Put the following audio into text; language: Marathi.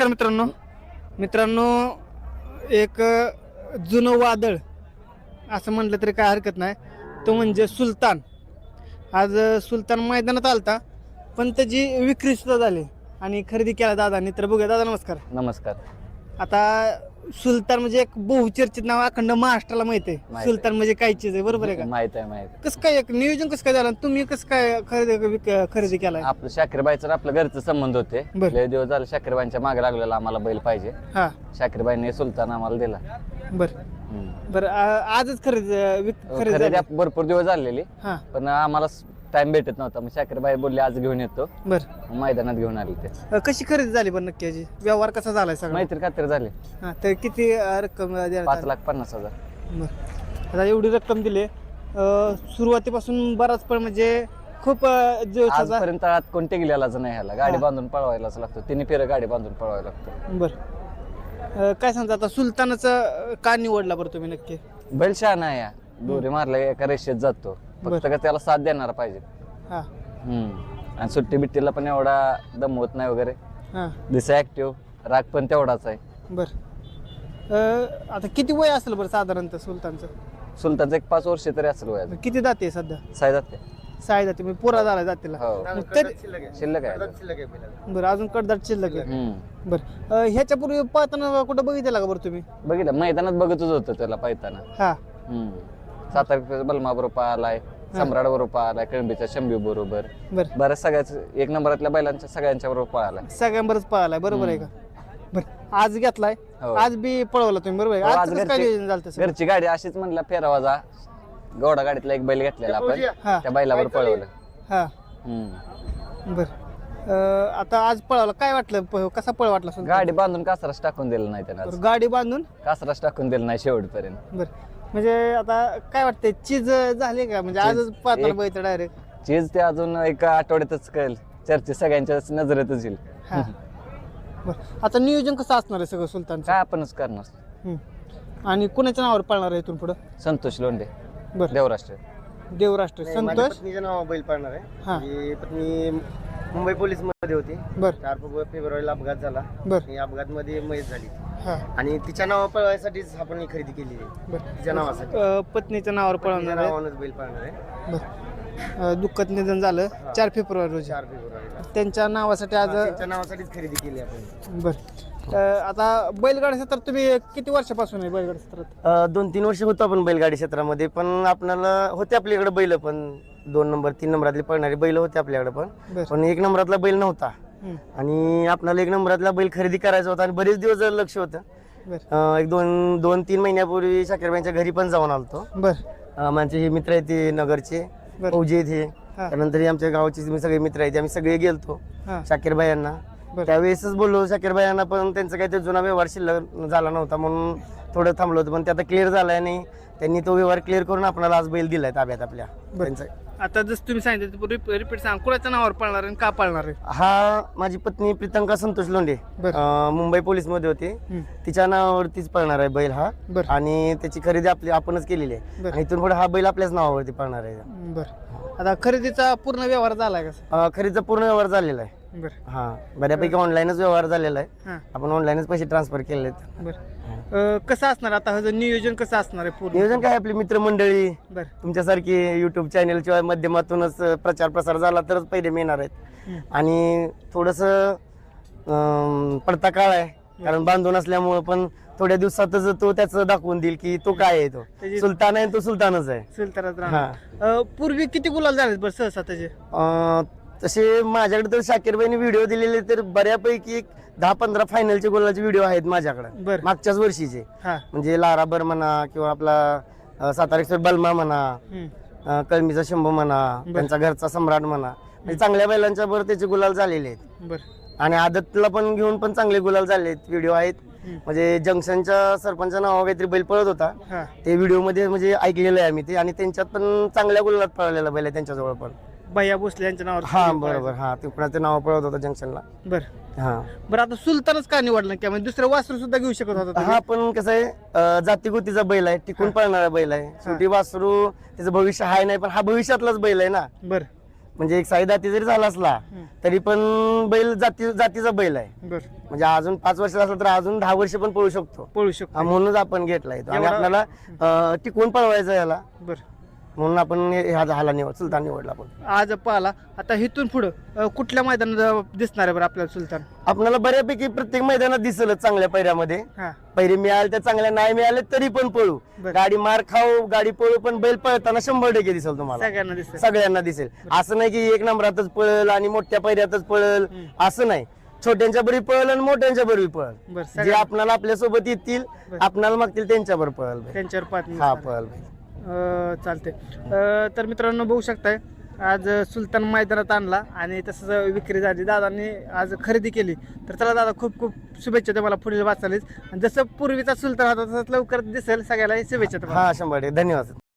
नमस्कार मित्रांनो एक जुनं वादळ असं म्हटलं तरी काय हरकत नाही, तो म्हणजे सुलतान. आज सुलतान मैदानात आलता, पण त्याची विक्री सुद्धा झाली आणि खरेदी केला दादांनी. तर बघूया दादा, नमस्कार. नमस्कार. आता सुलतान म्हणजे एक बहुचर्चित नाव अखंड महाराष्ट्राला माहित आहे. सुलतान म्हणजे काय चीज आहे, बरोबर आहे का? माहित आहे. कसं काय एक नियोजन कसं काय झालं, तुम्ही कसं काय खरेदी केलाय? आपलं शाकीरबाईचं आपलं घरचं संबंध होते. लय दिवस झाले शाकीरबाईंच्या मागे लागलेला आम्हाला बैल पाहिजे. हा, शाकीरबाईने सुलतान आम्हाला दिला. बरं आजच खरेदी भरपूर दिवस झालेली, हा, पण आम्हाला टाइम भेटत नव्हता. मग शाकीरबाई बोलले आज घेऊन येतो. बरं, मैदानात घेऊन आले ते. कशी खरेदी झाली बरं नक्की? याची व्यवहार कसा झालाय सगळं? मैत्री खात्री झाली. हा, तर किती रक्कम द्यायला? 5,50,000. बरं, आता एवढी रक्कम दिली. सुरुवातीपासून बराच पण म्हणजे खूप दिवसाचा. आजपर्यंत तळात कोणते गेलेलाच नाही. ह्याला गाडी बांधून पळवायलाच लागतो. 3 फेरं गाडी बांधून पळवायला लागतो. बरं, काय सांगता आता सुलतानाचं का निवडला बरं तुम्ही नक्की? बैल शहाणा आहे. दोरी मारला एका रेषेत जातो, फक्त का त्याला साथ देणार पाहिजे. हा, आणि सुट्टी बिट्टीला पण एवढा दम होत नाही वगैरे. हा, दिसा ऍक्टिव्ह, राग पण तेवढाच आहे. बरं, आता किती वय असेल बरं साधारणतः सुलतानचं? सुलतानचं एक 5 वर्ष तरी असेल वयाचं. किती जाते सध्या? 6 जाते. 6 जाते म्हणजे पुरा झाला जातीला. हो, शिल्लक आहे. बरं, अजून कडदाट शिल्लक आहे. बरं, ह्याच्यापूर्वी पाहताना कुठं बघितलं का बरं तुम्ही? बघितलं, मैदानात बघतच होतं त्याला पाहताना. हा, 7 तारखेचा बलमा बरोबर आलाय, सम्राट बरोबर आलाय, कळंबीच्या शंभू बरोबर. बरं, बऱ्याच सगळ्याच एक नंबरातल्या बैलांच्या सगळ्यांच्या बरोबर पळालाय. सगळ्यांबरच पळालाय, बरोबर आहे का? बरं, आज घेतलाय, हो. आज बी पळवला तुम्ही, बरोबर आहे? हो, आज आज कसं काय नियोजन झालं तसं? घरची गाडी अशीच म्हणला फेरावाजा गौडा गाडीतला एक बैल घेतलेला आपण, हा, त्या बैलावर पळवलं. हा, बरं, आता आज पळवला, काय वाटलं, कसा पळ वाटला सुलतान? गाडी बांधून कासराच टाकून दिलं नाही त्यानं. बरं, गाडी बांधून कासराच टाकून दिलं नाही शेवटपर्यंत. बरं, म्हणजे आता काय वाटतंय, चीज झाली का? म्हणजे आजच पाहताना बघितलं डायरेक्ट चीज ते अजून एका आठवड्यातच कळेल. चर्चे सगळ्यांच्या नजरेतच येईल. हा, बरं, आता नियोजन कसं असणार आहे सगळं सुलतानचं? काय आपणच करणार. आणि कुणाच्या नावावर पळणार आहे इथून पुढं? संतोष लोंढे, बरं, देवराष्ट्र. देवराष्ट्र संतोष. पत्नीच्या नावा बैल पाळणार आहे. हा, ही पत्नी मुंबई पोलीस मध्ये होती. बरं, 4 फेब्रुवारीला अपघात झाला. बरं, या अपघात मध्ये मयत झाली हा, आणि तिच्या नावा पळवायसाठीच आपण ही खरेदी केली आहे. बरं, तिच्या नावासाठी पत्नीच्या नावावर तिच्या पळवणार आहे. नावानंच बैल पाळणार आहे. बरं, दुःखद निधन झालं 4 फेब्रुवारी रोजी. 4 फेब्रुवारीला त्यांच्या नावासाठी आज. तिच्या नावासाठीच खरेदी केली आपण. बरं, आता बैलगाडी क्षेत्रात तुम्ही किती वर्षापासून आहे बैलगाडी क्षेत्रात? 2-3 वर्ष होतो आपण बैलगाडी क्षेत्रामध्ये, पण आपल्याला होते आपल्याकडे बैल, पण 2 नंबर 3 नंबरातले पळणारे बैल होते आपल्याकडे, पण 1 नंबरातला बैल नव्हता. आणि आपल्याला 1 नंबरातला बैल खरेदी करायचा होता आणि बरेच दिवस लक्ष होतं. एक 2-3 महिन्यापूर्वी शाकीरबाईंच्या घरी पण जाऊन आलतो. बरं, माझे हे मित्र आहेत ते नगरचे, फौजी आहेत हे. त्यानंतर आमच्या गावाचे सगळे मित्र आहेत, आम्ही सगळे गेलतो शाकीरबाई यांना. त्यावेळेसच बोललो शाकीरबाई यांना, पण त्यांचा काही जुना व्यवहार शिल्लक झाला नव्हता म्हणून थोडं थांबलो होतं, पण ते आता क्लिअर झालाय आणि त्यांनी तो व्यवहार क्लिअर करून आपल्याला आज बैल दिलाय ताब्यात आपल्या. आता जसं तुम्ही सांगितलं रिपीट सांग, कुणाच्या नावावर पळणार आहे आणि का पळणार आहे? हा, माझी पत्नी प्रीतंका संतोष लोंढे मुंबई पोलीस मध्ये होती, तिच्या नावावरतीच पळणार आहे बैल हा. आणि त्याची खरेदी आपणच केलेली आहे आणि इथून पुढे हा बैल आपल्याच नावावरती पळणार आहे. बरं, आता खरेदीचा पूर्ण व्यवहार झालाय का? खरेदीचा पूर्ण व्यवहार झालेला आहे. हा, बऱ्यापैकी ऑनलाईनच व्यवहार झालेला आहे. आपण ऑनलाईनच पैसे ट्रान्सफर केले. बरं, कसं असणार आता ह्याचं नियोजन कसं असणार आहे? पूर्ण नियोजन काय, आपली मित्रमंडळी बरं, तुमच्यासारखी युट्यूब चॅनलच्या माध्यमातूनच प्रचार प्रसार झाला तरच पहिले मिळणार आहेत. आणि थोडस पडता काळ आहे, कारण बांधून असल्यामुळे, पण थोड्या दिवसातच तो त्याचं दाखवून देईल की तो काय आहे. तो सुलतान आहे, तो सुलतानच आहे. सुलतानात राहणार. पूर्वी किती गुलाल झाले बरं सहसा त्याचे? तसे माझ्याकडे तर शाकीरबाईने व्हिडिओ दिलेले तर बऱ्यापैकी 10-15 फायनलचे गोलाचे व्हिडिओ आहेत माझ्याकडे मागच्याच वर्षीचे. म्हणजे लाराबर म्हणा किंवा आपला 7 तारखेचा बलमा म्हणा, कळंबीचा शंभू म्हणा, त्यांचा घरचा सम्राट म्हणा, म्हणजे चांगल्या बैलांच्या बरोबर त्याचे गुलाल झालेले आहेत. आणि आदतला पण घेऊन पण चांगले गुलाल झाले आहेत, व्हिडिओ आहेत. म्हणजे जंक्शनच्या सरपंचा नावा काहीतरी बैल पळत होता, ते व्हिडिओ मध्ये म्हणजे ऐकलेलं आहे आम्ही ते, आणि त्यांच्यात पण चांगल्या गुलालात पळलेला बैल आहे त्यांच्याजवळ पण. भैया भोसले यांच्या नावावर? हा, बरोबर. हा, ते कुणाचं नाव पळत होतं जंक्शनला. बरं, आता सुलतानच का निवडलं? की म्हणजे दुसरं वासरू सुद्धा घेऊ शकत होता? हा, पण कसं आहे, जातीगोतीचा बैल आहे, टिकून पळणारा बैल आहे. शेवटी वासरू त्याचं भविष्य आहे नाही, पण हा भविष्यातलाच बैल आहे ना. बरं, म्हणजे एक साईदाती जरी झाला असला तरी पण बैल जातीचा बैल आहे. बर म्हणजे अजून 5 वर्ष असला तर अजून 10 वर्ष पण पळू शकतो. पळू शकतो. म्हणूनच आपण घेतलाय तो. आणि एवढा- आपल्याला टिकून पळवायचं याला, बर म्हणून आपण सुलतान निवडला. आपण आज पाहिला. आता इथून पुढं कुठल्या मैदानात दिसणार आहे बरं आपल्याला सुलतान? आपल्याला बऱ्यापैकी प्रत्येक मैदानात दिसलच चांगल्या पैऱ्यामध्ये. हा पैरे मिळाले तर चांगल्या, नाही मिळाले तरी पण पळू. बरं. गाडी मार खाऊ, गाडी पळू, पण बैल पळताना 100% दिसेल तुम्हाला, सगळ्यांना दिसत. सगळ्यांना दिसेल. असं नाही की एक नंबरातच पळल आणि मोठ्या पैऱ्यातच पळल, असं नाही. छोट्यांच्या बरोबर पळल आणि मोठ्यांच्या बरोबर पळल. बरं जे आपल्याला आपल्या सोबत येतील, आपल्याला मागतील त्यांच्या बरोबर पळल बैल. त्यांच्यावर पाच हा पळल बैल. चालते. तर मित्रांनो बघू शकताय आज सुलतान मैदानात आणला आणि तसंच विक्री झाली. दादांनी आज खरेदी केली. तर चला दादा, खूप खूप शुभेच्छा तुम्हाला पुढील वाचालीच. आणि जसं पूर्वीचा सुलतान होता तसं लवकर दिसेल सगळ्याला शुभेच्छा तुम्हाला. हा 100%. धन्यवाद.